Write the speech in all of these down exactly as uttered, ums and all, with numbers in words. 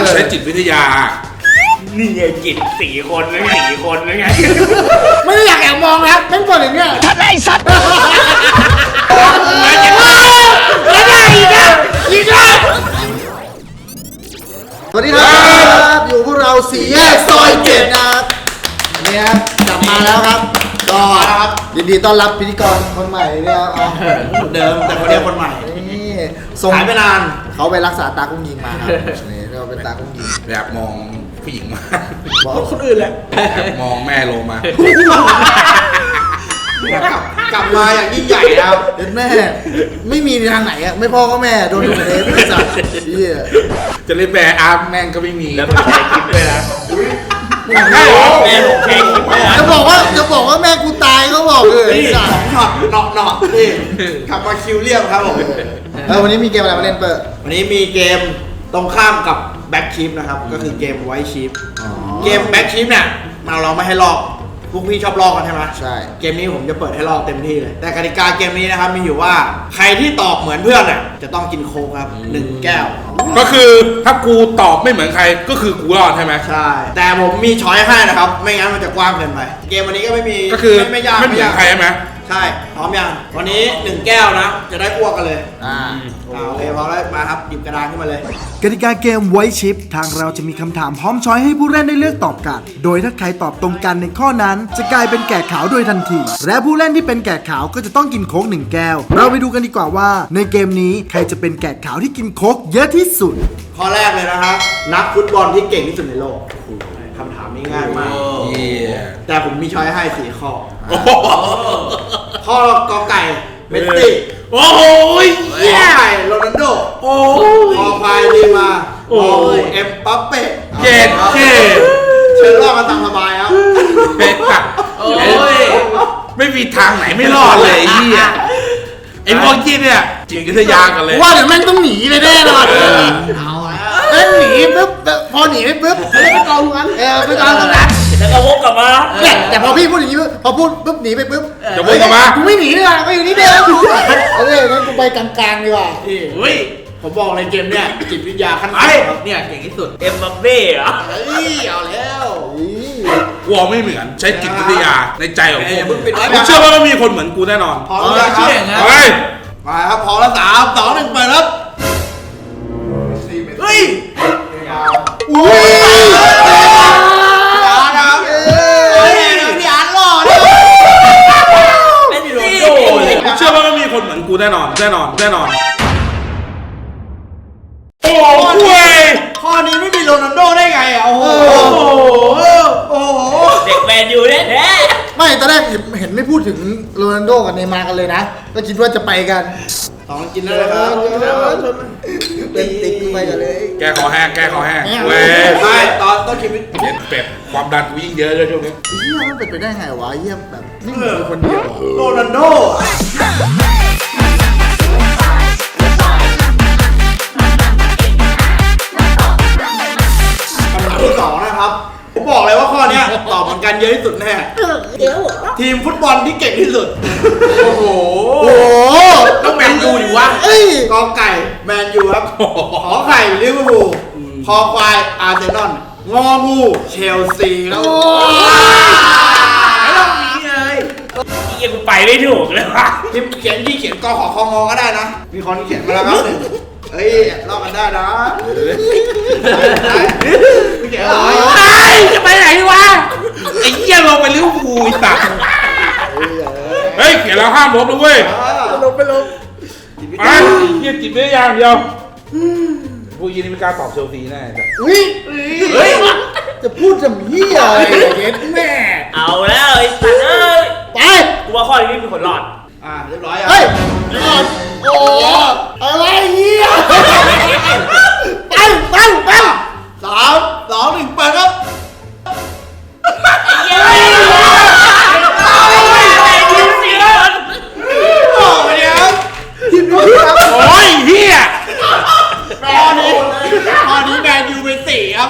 ใช้จิตวิทยานี่ไงจิตสี่คนนึงสี่คนนึงไงไม่ได้อยากแอบมองนะแม่งบอกอย่างเงี้ยทัดไอ้สัตว์ไม่ได้ไม่ได้อีกแล้วอีกแล้วสวัสดีครับอยู่พวกเราสี่แยกซอยเจ็ดนะครับนี่ครับกลับมาแล้วครับก็ยินดีต้อนรับพิธีกรคนใหม่เนี่ยครับเหมือนเดิมแต่คนเดียวคนใหม่นี่ส่งหายไปนานเขาไปรักษาตากุ้งยิงมาครับนี่เราเป็นตากุ้งยิงอยากมองผู้หญิงมาบอกคนอื่นแหละอยากมองแม่โลมากลับมาอย่างยิ่งใหญ่ครับเด็ดแม่ไม่มีทางไหนอ่ะไม่พ่อก็แม่โดนดูเลยไม่สั่งจะเล่นแบร์อาร์แม่งก็ไม่มีแล้วมันใช้คลิปด้วยนะใช่หรอแม่ผมใช้คลิปด้วยนะจะบอกว่าจะบอกว่าแม่กูตายก็บอกเลยสองช็อตเนาะเนาะนี่กลับมาคิวเรียบครับผมเออวันนี้มีเกมอะไรมาเล่นเปิดวันนี้มีเกมตรงข้ามกับแบ็คชิปนะครับก็คือเกมไวท์ชิปเกมแบ็คชิปเนี่ยมาเราไม่ให้ลอกพวกพี่ชอบลอกกันใช่ไหมใช่เกมนี้ผมจะเปิดให้ลอกเต็มที่เลยแต่กติกาเกมนี้นะครับมีอยู่ว่าใครที่ตอบเหมือนเพื่อนน่ะจะต้องกินโค้กครับหนึ่งแก้วก็คือถ้ากูตอบไม่เหมือนใครก็คือกูรอดใช่ไหมใช่แต่ผมมีช้อยให้นะครับไม่งั้นมันจะกว้างเกินไปเกมวันนี้ก็ไม่มีก็คือไม่ยากไม่เหมือนใครใช่ไหมใช่พร้อมยังวันนี้หนึ่งแก้วนะจะได้อ้วกกันเลยอ่าโอเคพร้อมแล้วมาครับหยิบกระดานขึ้นมาเลยกติกาเกมไวท์ชิปทางเราจะมีคำถามพร้อมช้อยให้ผู้เล่นได้เลือกตอบกันโดยถ้าใครตอบตรงกันในข้อนั้นจะกลายเป็นแกะขาวโดยทันทีและผู้เล่นที่เป็นแกะขาวก็จะต้องกินโค้กหนึ่งแก้วเราไปดูกันดีกว่าว่าในเกมนี้ใครจะเป็นแกะขาวที่กินโค้กเยอะที่สุดข้อแรกเลยนะครับนักฟุตบอลที่เก่งที่สุดในโลกคำถามนี้ง่ายมากแต่ผมมีช้อยให้สี่ข้อข้อกอไก่เมสซี่โอ้โหขอไข่โรนัลโดโอ้ขอพายดีมาโอ้เอ็มปัปเป้เจ็ดเจ็ดเชิญรอดมาตามสบายครับเป็ดอะโอ้ยไม่มีทางไหนไม่รอดเลยไอ้เหี้ยไอ้พวกจีนเนี่ยจิตวิทยากันเลยว่าเดี๋ยวแม่งต้องหนีเลยแน่นอนเอาแม่งหนีปุ๊บพอหนีไปปุ๊บเขาเรียกไปกองตรงนั้นเออไปกองตรงนั้นแล้วก็วกกลับมาเนี่ยแต่พอพี่พูดอย่างนี้พอพูดปุ๊บหนีไปปุ๊บจะวกกลับมากูไม่หนีเลยอ่ะก็อยู่นี่เดิมเอองั้นกูไปกลางๆดีกว่าเฮ้ยผมบอกในเกมเนี่ยจิตวิทยาขั้นสูงเนี่ยเก่งที่สุดเอ็มบัปเป้เหรอเฮ้ยเอาแล้ววอไม่เหมือนใช้จิตวิทยาในใจของพวกมึงกูเชื่อว่ามีคนเหมือนกูแน่นอนพร้อมแล้วเชื่ออย่างนั้นมาครับพอแล้วสามสองหนึ่งไปครับเฮ้ยอุ้ยพี่อาร์ตครับเฮ้ยพี่อาร์ตหล่อเนี่ยเล่นอยู่โรนโดกูเชื่อว่ามีคนเหมือนกูแน่นอนแน่นอนแน่นอนโอ้โหข้อนี้ไม่มีโรนัลโดได้ไงอ่ะโอ้โหโอ้โหเด็กแมนยูเนี่ยไม่ตอนแรกเห็นไม่พูดถึงโรนัลโดกับเนย์มาร์กันเลยนะก็คิดว่าจะไปกันสองกินแล้วนะครับเป็นติ๊กไปกันเลยแกขอแห้งแกขอแห้งเว้ยไม่ตอนต้นคลิปเย็นเป็ดความดันกูยิ่งเยอะเลยช่วงนี้เฮียมันเป็นไปได้ไงวะเฮียแบบนี่เหมือนคนเดียวโรนัลโดที่สองนะครับผมบอกเลยว่าข้อนี้ตอบเหมือนกันเยอะที่สุดแน่ทีมฟุตบอลที่เก่งที่สุดโอ้โหโอ้ต้องแมนยูดิวะกอไก่แมนยูครับขอไข่ลิเวอร์พูลคอควายอาร์เซนอลงองูเชลซีแล้วไม่ต้องมีเลยยังกูไปไม่ถูกเลยวะที่เขียนที่เขียนกอขอคองอก็ได้นะมีคนเขียนมาแล้วครับเฮ้ยลอกกันได้นะไม่เขียนอะไรจะไปไหนวะไอ้เหี้ยลงไปลิเวอร์พูลไอ้สัตว์เฮ้ยเขียนแล้วห้ามลบนะเว้ยลบไปลบไอ้เหี้ยจิตไม่ได้อย่างเดียวพวกยี่นี่ไม่กล้าตอบเชลซีแน่จ้ะอุ้ยเฮ้ยจะพูดจะมีอะไรเย็ดแม่เอาแล้วไอ้สัตว์เอ้ยไปกูว่าข้อนี้มีคนรอดอ่าเรียบร้อยอ่ะเฮ้ยรอดโอ้อะไรเหี้ยไปไปไปสามสองหนึ่งไปครับเย้ทีมนี้โอ้ยครับทีมนี้ครับโอ้ยเฮียข้อนี้ข้อนี้แมนยูเป็นสี่ครับ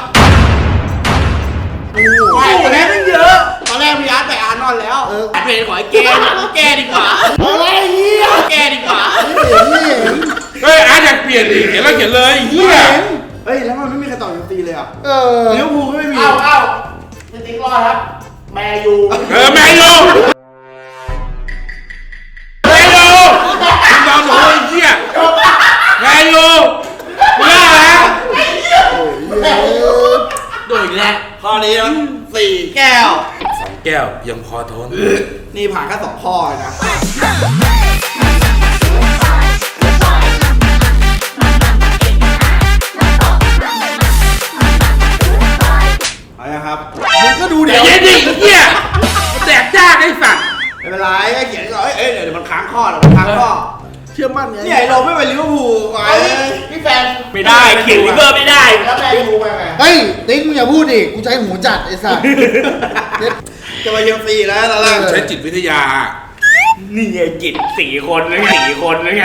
ไปตอนแรกไม่เยอะตอนแรกพี่อาร์ตไปอาร์นอนแล้วเพลงขอให้แก้แก้ดีกว่าอะไรเหี้ยแก้ดีกว่าเฮ้ยอาร์ตอยากเปลี่ยนดิเขียนแล้วเขียนเลยเฮียเเฮ้ยแล้วมันไม่มีใครตอบยูซีเลยอ่ะเออลิเวอร์พูลก็ไม่มีเอ้าเอ้าพี่ติ๊กรอดครับ แมยูเออแมนยูแมนยูคุณนอนหนูไอ้เหี้ยแมนยูเลิกแล้วโดนอีกแล้วข้อนี้นะสี่แก้วสองแก้วยังพอทนนี่ผ่านแค่สองข้อเลยนะเอาละครับมึงก็ดูเดี๋เดี๋ยยว วเย็นดิเหี้ยมันแดกยากไอ้สัตว์ไม่เป็นไรก็เขียนก่อนเอ้ยเอ้ยเดี๋ยวมันค้างข้อเดี๋ยวมันค้างข้อเชื่อมั่นไงเนี่ยไอ้เราไม่ไปลิเวอร์พูลก่อนเอ้ยพี่แฟนไม่ได้เขียนลิเวอร์ไม่ได้แล้วแมยูไปไงเฮ้ยติ๊กมึงอย่าพูดดิกูใช้หูจัดไอ้สัสจะมาเชลซีแล้วตอนแรกใช้จิตวิทยานี่ไงจิตสี่คนนะไงสี่คนนะไง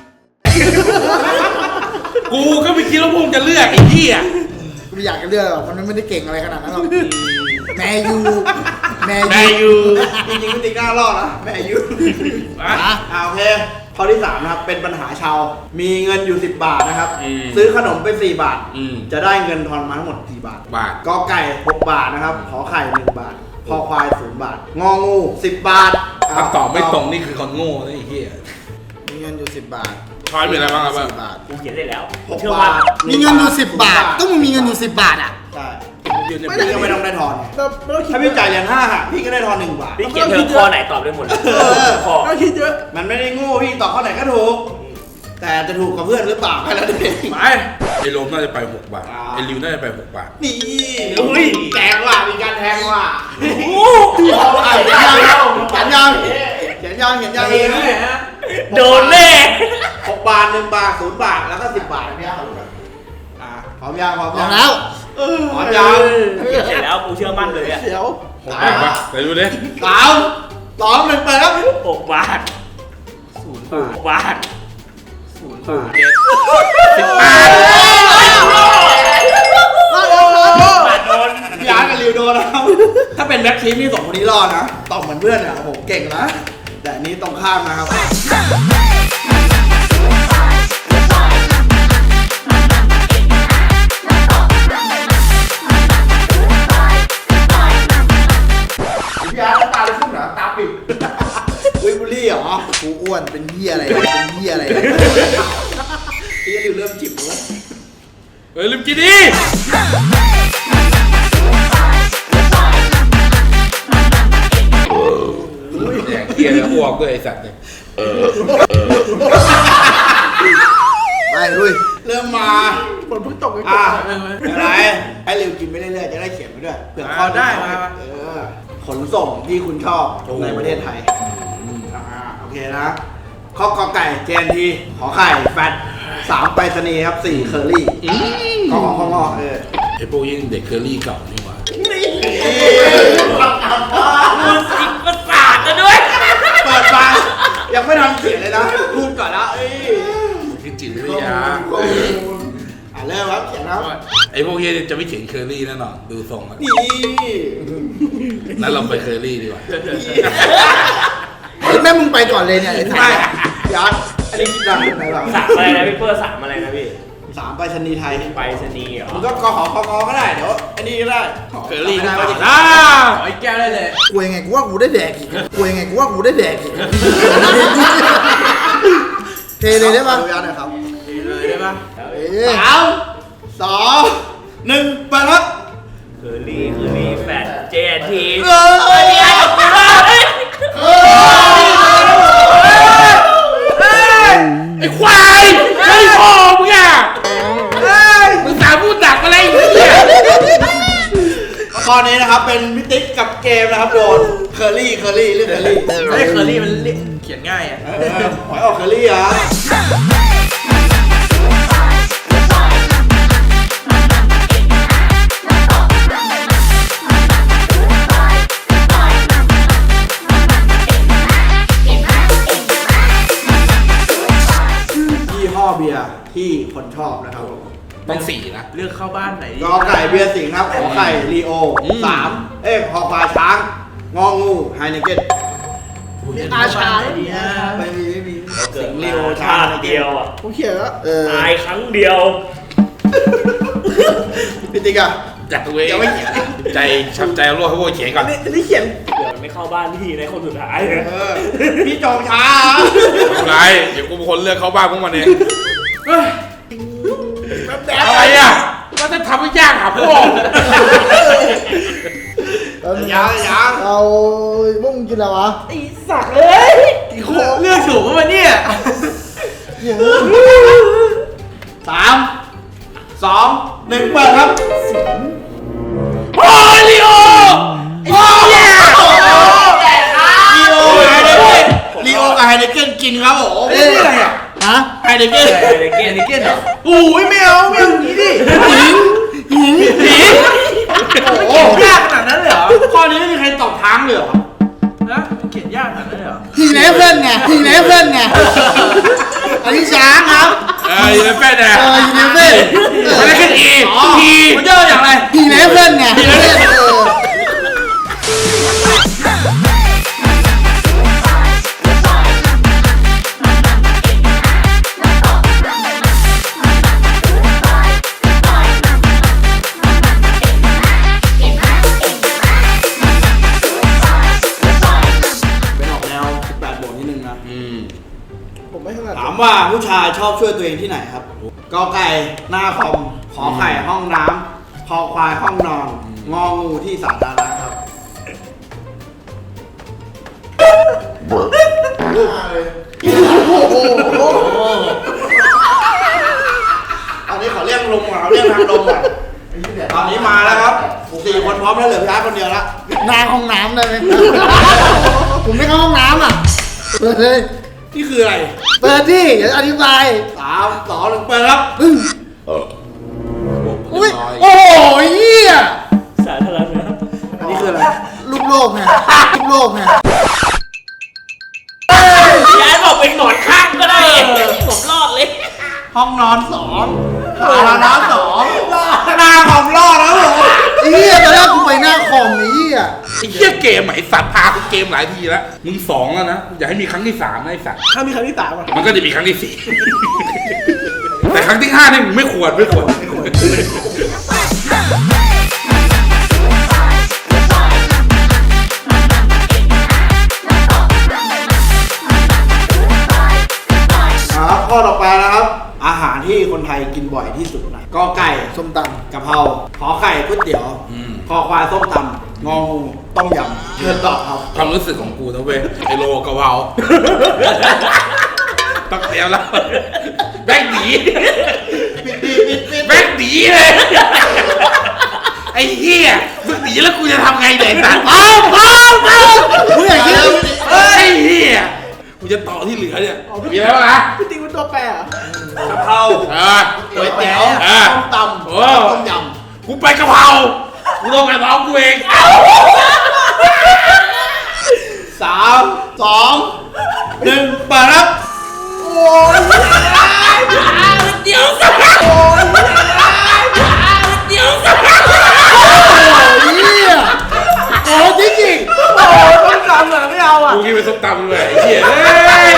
กูก็ไม่คิดว่าพวกมึงจะเลือกไอ้เหี้ยกูไม่อยากจะเลือกหรอกมันไม่ได้เก่งอะไรขนาดนั้นหรอกแมยูแมแมยูนยูจริงๆพี่ติ๊กหน้ารอดนะแม่อายุอ่ะอ่าโอเคข้อที่สามนะครับเป็นปัญหาชาวมีเงินอยู่สิบบาทนะครับอืมซื้อขนมไปสี่บาทอืมจะได้เงินทอนมาทั้งหมดกี่บาทบาทกอไก่หกบาทนะครับขอไข่หนึ่งบาทคอควายศูนย์บาทงองูสิบบาทถ้าตอบไม่ตรงนี่คือคนโง่นะไอ้เหี้ยมีเงินอยู่สิบบาททอยเป็นอะไรบ้างครับสิบบาทกูเขียนได้แล้วหกเชื่อบาว่าทมีเงินอยู่สิบบาทต้องมึงมีเงินอยู่สิบบาทอ่ะใช่ไม่พี่ก็ไม่ต้องได้ทอนถ้าพี่จ่ายเหรียญห้าหักพี่ก็ได้ทอนหนึ่งบาทพี่เขียนเธอข้อไหนตอบได้หมดเลยเออข้อมันไม่ได้โง่พี่ตอบข้อไหนก็ถูก แต่จะถูกกับเพื่อนหรือเปล่าแค่นั้นเองไปไอ้โรมน่าจะไปหกบาทอ่าไอ้ริวน่าจะไปหกบาทนี่อุ้ยแกงว่ะมีการแทงว่ะเอาไอ้ยังเขียนยังเขียนยังเขียนยังเองโดนแน่หกบาทหนึ่งบาทศูนย์บาทแล้วก็สิบบาทเนี่ยอ่าพร้อมยังพร้อมพร้ยัอง มแล้วพร้อมยังเขียนเสร็จแล้วกูเชื่อมั่นเลยอะหกบาทปะไปดูดิสามสองหนึ่งเปิดครับหกบาทศูนย์หกบาทศูนย์บาทสิบบาทบาทโดนพี่อาร์ตกับริวโดนนะครับถ้าเป็นแบ็คทีมนี่สองคนนี้รอดนะตอบเหมือนเพื่อนเนี่ยโอ้โหเก่งนะแต่อันนี้ตรงข้ามนะครับพี่อาร์ตตาเลยขึ้นเหรอตาปิดวิบุลี่เหรอกูอ้วนเป็นเหี้ยอะไรเป็นเหี้ยอะไรพี่ริวเริ่มจิบแล้วเฮ้ยลืมกินดิ แดกเกียร์แล้วอ้วกด้วยไอ้สัตว์เนี่ยไปลุยเริ่มมาฝนเพิ่งตกกันอ่ะอะไรให้ริวกินไปเรื่อยๆจะได้เขียนไปด้วยเผื่อข้อได้มาเออขนส่งที่คุณชอบในประเทศไทยอ่าโอเคนะข้อกอไก่เจนทีขอไข่แฟตสามไปรษณีย์ครับสี่เคอรี่ขอของข้องอเออไอ้พวกยิ่งเด็กเคอรี่เก่านี่หว่ามึงสิบประสาทกันด้วยเปิดมายังไม่ทันเขียนเลยนะพูดก่อนแล้วเอ้ยคือจิตวิทยาอ่ะเริ่มครับเขียนครับไอ้พวกเฮียจะไม่เขียนเคอรี่แน่นอนดูทรงแล้วนี่นั้นเราไปเคอรี่ดีกว่าเฮ้ยแม่มึงไปก่อนเลยเนี่ยไอ้สัไม่สยัดอันนี้คิดดังไหนบ้างสามอะไรนะพี่เปอร์สามอะไรนะพี่สามไปรษณีย์ไทยไปสนีย์เหรอมันก็กอหอคองอก็ได้เดี๋ยวอันนี้ก็ได้เคอรี่ได้เข้าไหมมาอ่าไอ้แก้วได้เลยกูยังไงกูว่ากูได้แดกอีกกูยังไงกูว่ากูได้แดกอีกเทเลยได้ปะดูยัดหนะครับเลยได้ปะเอ้ยสามสองหนึ่งไปครับเคอรี่เคอรี่แฟตเจนทีเอ้ยไอ้ควายไอ้พ่อมึงอ่ะมึงสาพูดดักอะไรอย่างเงี้ยข้อนี้นะครับเป็นมิติกกับเกมนะครับโดนเคอรี่เคอรี่เรื่องเคอรี่ไอ้เคอรี่มันเขียนง่ายอ่ะเออหอยออกเคอรี่เหรอ ยี่ห้อเบียร์ที่คนชอบนะครับผมต้องสี่นะเลือกเข้าบ้านไหนดีกอไก่เบียร์สิงห์ครับขอไข่ลีโออืมสามเอ้ยคอควายช้าง งองูไฮเนเกนอาชาดีนะไม่มีไม่มีเกิสิดงห์มาลีโอชาช้างติเดียวอ่ะกูเขียนแล้วเออตายครั้งเดียวพี่ติ๊กอะจัดตัวเองยังไม่เขียนใจช้ำใจเอาโลกให้พวกเขียนก่อนนี่นี่เขียนเดี๋ยวมันไม่เข้าบ้านพี่ในคนสุดท้ายเออพี่จองช้าไม่เป็นไรเดี๋ยวกูเป็นคนเลือกเข้าบ้านพวกมันเองแบบอะไรอ่ะก็จะทำให้ยากหาพ่อยังยังเอาพวกมึงกินอะไรวะไอ้สักเลยอีโคเลือกถูกปะวันเนี่ยสามสองหนึ่งเปิดครับโอ้ยลีโอโอ้ยลีโอไฮเดเกนลีโอกับไฮเดเกนกินครับผมเอ้ยนี่อะไรอ่ะฮะไฮเดเกนเด็กเกนอันนี้เก้นเหรอโอ้ยไม่เอาไม่เอาอย่างนี้ดิผีผีมันเขียนยากขนาดนั้นเลยเหรอข้อนี้ไม่มีใครตอบทางเลยเหรอนะมันเขียนยากขนาดนั้นเลยเหรอทีเลเว่นไงทีเลเว่นไงอันนี้ช้างครับเออยูเนฟเฟ่เนี่ยเออทีเลเว่นไม่ได้ขึ้นอีทีมันเยอะอย่างไรทีเลเว่นไงทีเลเว่นเออเป็นออกแนวสิบแปดบวกนิดนึงนะอืมผมไม่ถนัดถามว่าผู้ชายชอบช่วยตัวเองที่ไหนครับกอไก่หน้าคอม ขอไข่ห้องน้ำคอควายห้องนอน งองูที่สาธารณะครับตอนนี้ขอเรียกลงก่อนขอเรียกทางลงก่อนตอนนี้มาแล้วครับสี่คนพร้อมแล้วเหลือพี่อาร์ตคนเดียวละนางห้องน้ำได้ไหมผมไม่เข้าห้องน้ำอ่ะเปิดเลยนี่คืออะไรเปิดดิเดี๋ยวอธิบายสามสองหนึ่งเปิดครับปึ้งอุ้ยโอ้ยเหี้ยสาธารณะอันนี้คืออะไรลูกโลกไงลูกโลกไงย้ายบอกเป็นหนอนข้างก็ได้ผมรอดเลยห้องนอนสองสาธารณะสองหน้าของรอดแล้วผมไอ้เหี้ยตอนแรกกูไปหน้าคอมไอ้เหี้ยไอ้เหี้ยเกมไหนสัตว์พากูเกมหลายทีแล้วมึงสองแล้วนะอย่าให้มีครั้งที่สามนะไอ้สัตว์ถ้ามีครั้งที่สามอ่ะมันก็จะมีครั้งที่สี่ แต่ครั้งที่ห้าเนี่ยมึงไม่ควรไม่ควรไม่ควรครับข้อต่อไปนะครับ อาหารที่คนไทยกินบ่อยที่สุดนะกอไก่ส้มตกะเพราขอไข่ก๋วยเตี๋ยวอืมคอควายส้มตำงองูต้มยำเชิญตอบครับความรู้สึกของกูนะเว้ยไอโลกะเพราต้องเตรียมแล้วแบกหนีแบกหนีเลยไอ้เหี้ยมึงหนีแล้วกูจะทำไงเนี่ยไอ้สัตว์เอาเอาเอาำมึงอยากคิดเฮ้ยไอ้เหี้ยกูจะต่อที่เหลือเนี่ยมีอะไรบ้างนะพี่ติ๊กเป็นตัวแปรเหรอกะเพราเออก๋วยเตี๋ยวอ่าส้มตโอ้ำต้มยกูไปกะเพรากูต้องกับน้องกูเองำสามสองหนึ่งเปิดครับเดี๋ยวสักเดี๋ยวสักเหี้ยโอ้จริงจริงโอ้ต้องจำเหรอไม่เอาอ่ะกูกินไปส้มตำเลยไอ้เหี้ยเฮ้ย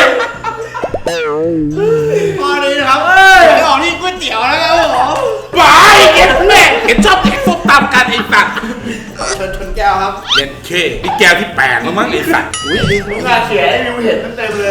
ข้อนี้นะครับเอ้ยไม่ออกนี่ก๋วยเตี๋ยวแล้วครับผมบายเก็บแม่เห็นชอบแดกส้มตำกันไอ้สัตว์เชิญชนแก้วครับเย็นเคนี่แก้วที่แปดแล้วมั้งไอ้สัตว์ลูกค้าเขียนให้วิวเห็นเต็มๆเลย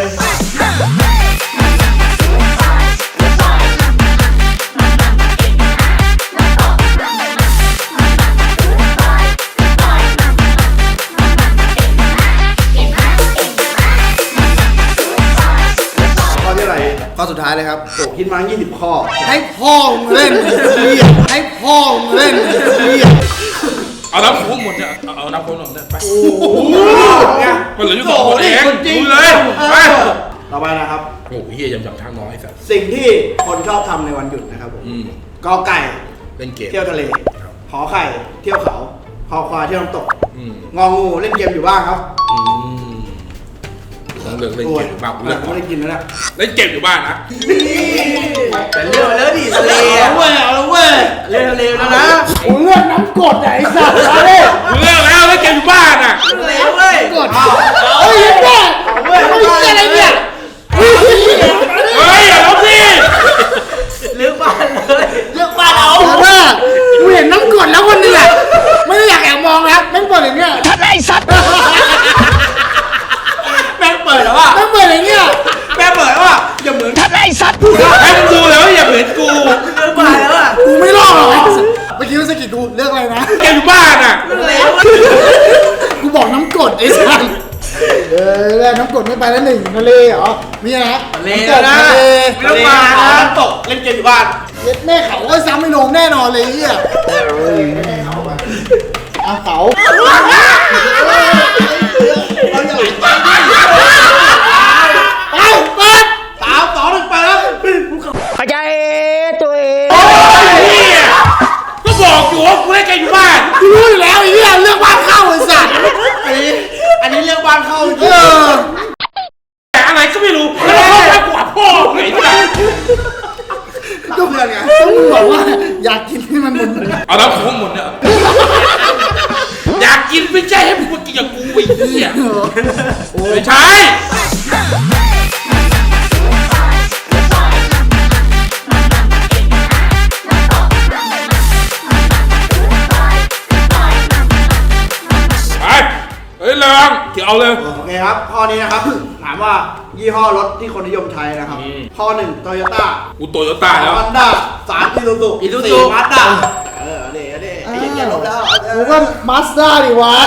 ข้อที่อะไรข้อสุดท้ายเลยครับโอ้คิดมายี่สิบข้อให้พ่อมึงเล่นไอ้เหี้ยให้พ่อมึงเล่นไอ้เหี้ยเอาน้ำโค้งหมดเนี่ยเอาเอาน้ำโค้งหมดเนี่ยไปโอ้โหมันเหลืออยู่สองคนเองจริงดูเลยไปต่อไปนะครับโอ้โหเฮียยำยำทางน้อยไอ้สัตว์สิ่งที่คนชอบทำในวันหยุดนะครับผมอืมกอไก่เล่นเกมเที่ยวทะเล ขอไข่ เที่ยวเขา คอควายเที่ยวน้ำตกอืมงองูเล่นเกมอยู่บ้านครับอืมต้องเลือกเล่นเกมอยู่บ้านกูเล่เลือกก่อนไม่ได้กินแล้วนะเล่นเกมอยู่บ้านนะแต่เลือกมาแล้วดิทะเลเอาอะละเว้ยเอาละเว้ยเลือกทะเลแล้วนะกูเลือกน้ำกรดไหนสัตว์มาเลยกูเลือกแล้วเล่นเกมอยู่บ้านอ่ะทะเลเว้ยกดเฮ้ยแม่เอาเว้ยเฮ้ยอะไรเนี่ยเฮ้ยเฮ้ยอย่าลบสิเลือกบ้านเลยเลือกบ้านเอาเลือกแกอยู่บ้านอ่ะกูบอกน้ำกรดไอ้สัสเออแล้วน้ำกรดไม่ไปแล้วหนึ่งทะเลเหรอมีอะไรนะทะเลน้ำกรดนะทะเลไม่ต้องมานะน้ำตกเล่นเกมอยู่บ้านเย็ดแม่เขาก็ซ้ำไม่ลงแน่นอนเลยไอ้เฮียเอาเขาเราจะไหลใจดิไปเปิดสามสองหนึ่งไปแล้วโอ้ยเฮียก็บอกอยู่ว่ากูเล่นแกอยู่บ้านกูรู้อยู่แล้วไอ้เฮียเรื่องบ้านเข้าไอ้สัสอันนี้อันนี้เรื่องบ้านเข้าจเอริงอแต่อะไรก็ไม่รู้แล้วเขาไปกว่าพ่อไงจ้ะก็เพื่อนไงต้องมึงบอกว่าอยากกินให้มันหมดเลยเอาแล้วผมหมดเนี่ยอยากกินไม่ใช่ให้มึงมากินกับกูไอ้เหี้ยไม่ใช่ไปเฮ้ยเรืองเกี่ยวเอาเลยโอเคครับข้อนี้นะครับถามว่ายี่ห้อรถที่คนนิยมใช้นะครับอืมข้อหนึ่งโตโยต้ากูโตโยต้าแล้วฮอนด้าสามอีซูซู Isuzu สี่มาด้าเออเดี๋ยวเดี๋ยวไอ้ยังแกลบแล้วกูก็มาสด้าดิวะ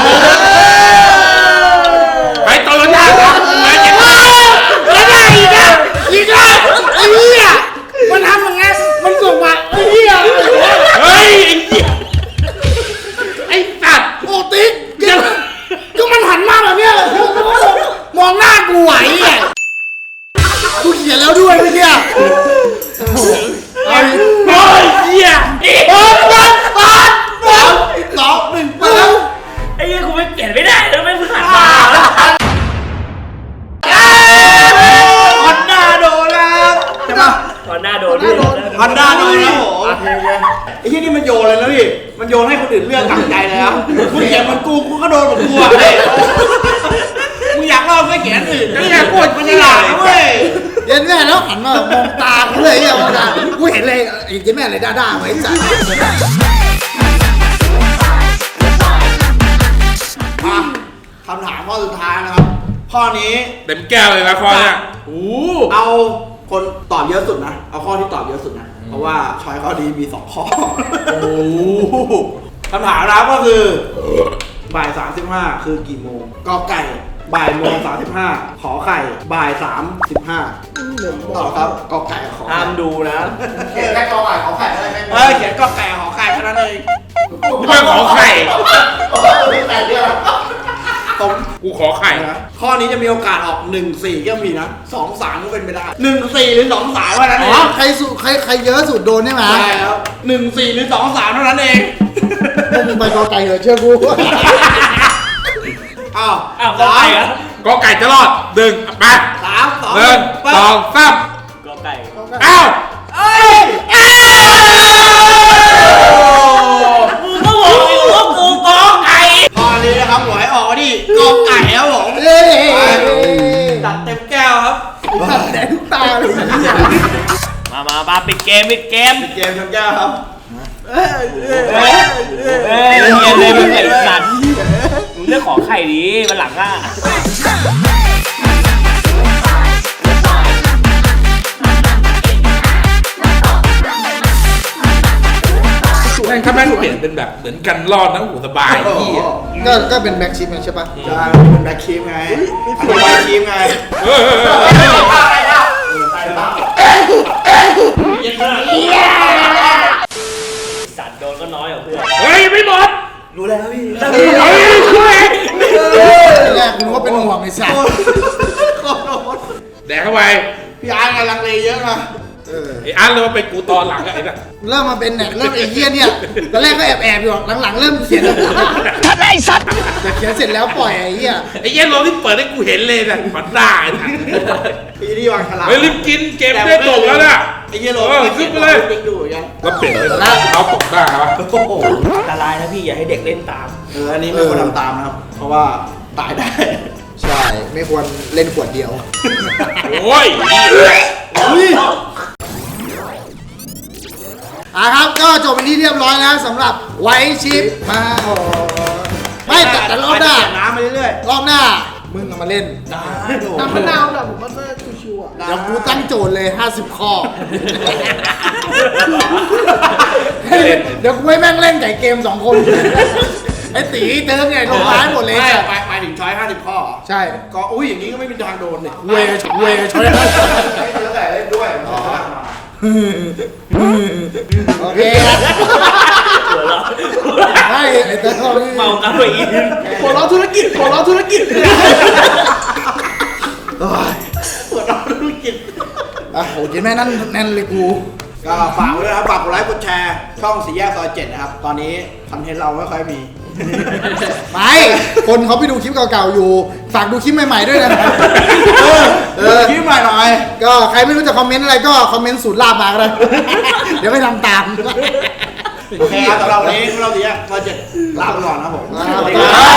ไปโตโยต้าครับไปเจ็บแล้วได้อีกอ่ะอีกอ่ะไอ้เหี้ยมันทำอย่างงี้มันส่งมาไอ้เหี้ยเฮ้ยไอ้เหี้ยไอ้สัตว์โอ้ติ๊กก็มันหันมาแบบเนี้ยมองหน้ากูไหวอ่ะกูเขียนแล้วด้วยเมื่อกี้เอาดิโอ้ยเหี้ยอีกเปิดเปิดเปิดเปิดสองหนึ่งไปแล้วไอ้เหี้ยกูไม่เปลี่ยนไม่ได้แล้วไม่เพิ่งหันมาฮอนด้าโดนแล้วใช่ปะตอนหน้าโดนด้วยฮอนด้าโดนแล้วโอ้โหไอ้ที่นี่มันโยนเลยนะพี่มันโยนให้คนอื่นเลือกหลังใจเลยครับมึงเขียนเหมันกูกูก็โดนเหมือนกูอ่ะเฮ้ยมึงอยากเล่าก็เขียนอื่นไอ้เหี้ยกูมันจะฉหลาลาดดนะเว้เว้ยยเย็นแม่แล้วหันมามองตากูเลยอ่ะมองตากูเห็นเลยไอ้เย็นแม่เลยด้าๆไว้จ้ะอ่ะคำถามข้อสุดท้ายนะครับ ข้อนี้เต็มแก้วเลยนะข้อเนี้ยโอ้เอาคนตอบเยอะสุดนะ เอาข้อที่ตอบเยอะสุดนะ เพราะว่าชอยข้อนี้มีสองข้อ โอ้โหคำถามนะครับก็คือบ่ายสามสิบห้าคือกี่โมงกอไก่บ่ายโมงสามสิบห้าขอไข่บ่ายสามสิบห้าต่อครับกอไก่กับขอห้าไข่มดูนะเขียนแค่กอไก่ขอไข่อะไรแม่เออเขียนกอไก่กับขอไข่แค่นั้นเองกูไม่ขอไข่แต่เดียวตรงกูขอไข่นะข้อนี้จะมีโอกาสออกหนึ่งสี่ก็มีนะสองสามก็เป็นไปได้หนึ่งสี่หรือสองสามเท่านั้นเออ๋อง ใครสุใครใครเยอะสุดโดนใช่ไหมใช่ครับหนึ่งสี่หรือสองสามเท่านั้นเองพวกมึงไปกอไก่เหรอเชื่อกูอ้าวอ้าวก็ไก่เหรอก็ไก่จะรอดหนึ่งไปสามสองหนึ่งไปสองสามก็ไก่อ้าวเอ้ยมึงก็บอกอยู่ว่ากูกอไก่ข้อนี้นะครับหวยออกมาที่กอไก่ครับผมเอ้ยตัดเต็มแก้วครับตัดแดงทุกตาเลยมามามาปิดเกมปิดเกมเกมเต็มแก้วครับเอ้ยเรียนเลยมึงไอ้สัตว์มึงเลือกขอไข่ดีวันหลังอ่ะแม่งถ้าแม่งเปลี่ยนเป็นแบบเหมือนกันรอดนะโอ้โหสบายพี่ก็ก็เป็นแบ็กชิปไงใช่ปะใช่เป็นแบ็คคีมไงอันนี้แบ็คคีมไงเออสัตว์โดนก็น้อยกว่าเพื่อนเฮ้ยไม่หมดรู้แล้วพี่เฮ้ยช่วยแรกกูนึกว่าเป็นห่วงไอ้สัสขอโทษแดกเข้าไปพี่อาร์ตกำลังเลเยอะนะเออไอ้อันเลยว่าเป็นกูตอนหลังอะไอ้น่ะเริ่มมาเป็นเนี่ยเริ่มไอ้เหี้ยเนี่ยตอนแรกก็แอบแอบๆอยู่หลังๆเริ่มเขียนแล้วไอ้สัสแต่เขียนเสร็จแล้วปล่อยไอ้เหี้ยไอ้เหี้ย็นโรที่เปิดให้กูเห็นเลยน่ะมันได้น่ะพี่นี่วางฉลากเฮ้ยรีบกินเกมได้จบแล้วน่ะไอ้เหี้ยโรเออขึ้นไปเลยติ๊กดูยังแล้วเปลี่ยนเป็นเขาตกได้ครับโอ้โหอันตรายนะพี่อย่าให้เด็กเล่นตามเอออันนี้ไม่ควรทำตามนะครับ เพราะว่าตายได้ใช่ไม่ควรเล่นขวดเดียวโอ้ยนี่แหละอ่ะครับก็จบเป็นที่เรียบร้อยแล้วสำหรับไวชิปมาโอ้ไม่แต่แต่รอบหน้าเปลี่ยน้ำมาเรื่อยรอบหน้ามึงเอามาเล่นๆได้ดูน้ำมะนาวแบบผมว่าชิวๆอ่ะเดี๋ยวกูตั้งโจทย์เลยห้าสิบข้อเดี๋ยวกูให้แม่งเล่นไก่เกมสองคน ไอ้ตีเติมไงลงร้ายหมดเลยไม่หมายหมายถึงช้อยห้าสิบข้อเหรอใช่ก็อุ้ยอย่างนี้ก็ไม่มีทางโดนเนี่ยเวเวช่วยให้เจอแต่เล่นด้วยอ๋อโอเคไม่ไอ้เติมเมากาเฟอีนหัวเราะธุรกิจหัวเราะธุรกิจปวดร้อนธุรกิจอ่ะโหเจ๊แม่นั่นแน่นเลยกูก็ฝากไว้ด้วยนะครับฝากกดไลค์กดแชร์ช่องสี่แยกซอยเจ็ดนะครับตอนนี้คอนเทนต์เราไม่ค่อยมีไม่คนเขาไปดูคลิปเก่าๆอยู่ ฝากดูคลิปใหม่ๆด้วยนะเออเออคลิปใหม่หน่อยก็ใครไม่รู้จะคอมเมนต์อะไรก็คอมเมนต์สูตรลาบมาก็ได้ เดี๋ยวไม่ทำตามโอเคครับสำหรับวันนี้พวกเราสี่แยกซอยเจ็ดลาไปก่อนนะครับผมสวัสดีครับ